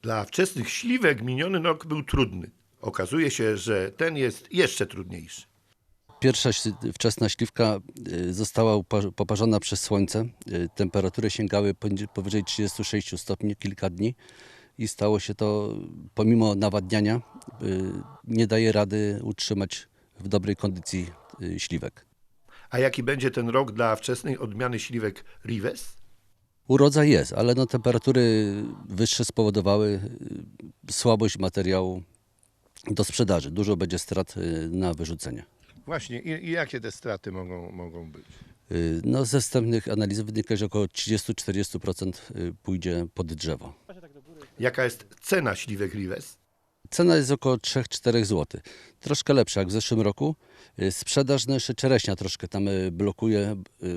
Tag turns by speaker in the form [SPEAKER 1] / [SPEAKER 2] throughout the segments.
[SPEAKER 1] Dla wczesnych śliwek miniony rok był trudny. Okazuje się, że ten jest jeszcze trudniejszy.
[SPEAKER 2] Pierwsza wczesna śliwka została poparzona przez słońce. Temperatury sięgały powyżej 36 stopni kilka dni i stało się to, pomimo nawadniania, nie daje rady utrzymać w dobrej kondycji śliwek.
[SPEAKER 1] A jaki będzie ten rok dla wczesnej odmiany śliwek Rives?
[SPEAKER 2] Urodzaj jest, ale no, temperatury wyższe spowodowały słabość materiału do sprzedaży. Dużo będzie strat na wyrzucenie.
[SPEAKER 1] Właśnie, i jakie te straty mogą być?
[SPEAKER 2] No, ze wstępnych analiz wynika, że około 30-40% pójdzie pod drzewo.
[SPEAKER 1] Jaka jest cena śliwek Rives?
[SPEAKER 2] Cena jest około 3-4 zł. Troszkę lepsza jak w zeszłym roku. Sprzedaż, no jeszcze czereśnia troszkę tam blokuje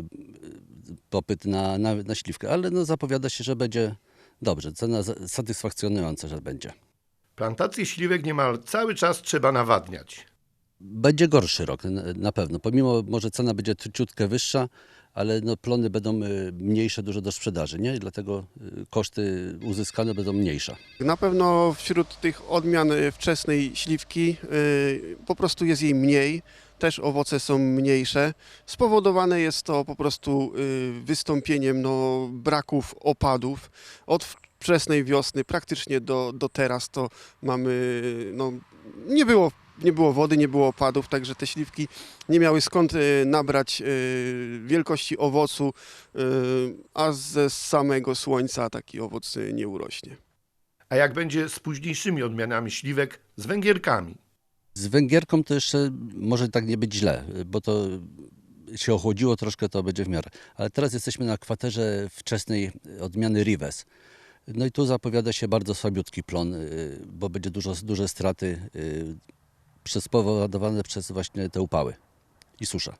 [SPEAKER 2] popyt na śliwkę, ale no zapowiada się, że będzie dobrze. Cena satysfakcjonująca, że będzie.
[SPEAKER 1] Plantację śliwek niemal cały czas trzeba nawadniać.
[SPEAKER 2] Będzie gorszy rok na pewno. Pomimo może cena będzie ciutkę wyższa, ale no plony będą mniejsze dużo do sprzedaży, nie? I dlatego koszty uzyskane będą mniejsze.
[SPEAKER 3] Na pewno wśród tych odmian wczesnej śliwki po prostu jest jej mniej, też owoce są mniejsze. Spowodowane jest to po prostu wystąpieniem braków opadów. Od wczesnej wiosny praktycznie do teraz to mamy, nie było wody, nie było opadów, także te śliwki nie miały skąd nabrać wielkości owocu, a ze samego słońca taki owoc nie urośnie.
[SPEAKER 1] A jak będzie z późniejszymi odmianami śliwek, z węgierkami?
[SPEAKER 2] Z węgierką to jeszcze może tak nie być źle, bo to się ochłodziło troszkę, to będzie w miarę. Ale teraz jesteśmy na kwaterze wczesnej odmiany Rives. No i tu zapowiada się bardzo słabiutki plon, bo będzie duże straty spowodowane przez właśnie te upały i susza.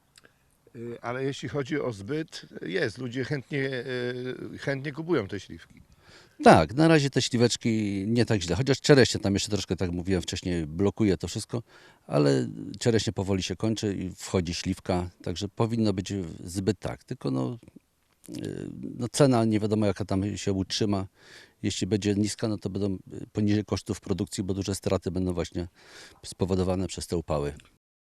[SPEAKER 1] Ale jeśli chodzi o zbyt, ludzie chętnie kupują te śliwki.
[SPEAKER 2] Tak, na razie te śliweczki nie tak źle, chociaż czereśnie tam jeszcze troszkę, tak jak mówiłem wcześniej, blokuje to wszystko, ale czereśnie powoli się kończy i wchodzi śliwka, także powinno być zbyt tak, tylko no cena nie wiadomo jaka tam się utrzyma. Jeśli będzie niska, no to będą poniżej kosztów produkcji, bo duże straty będą właśnie spowodowane przez te upały.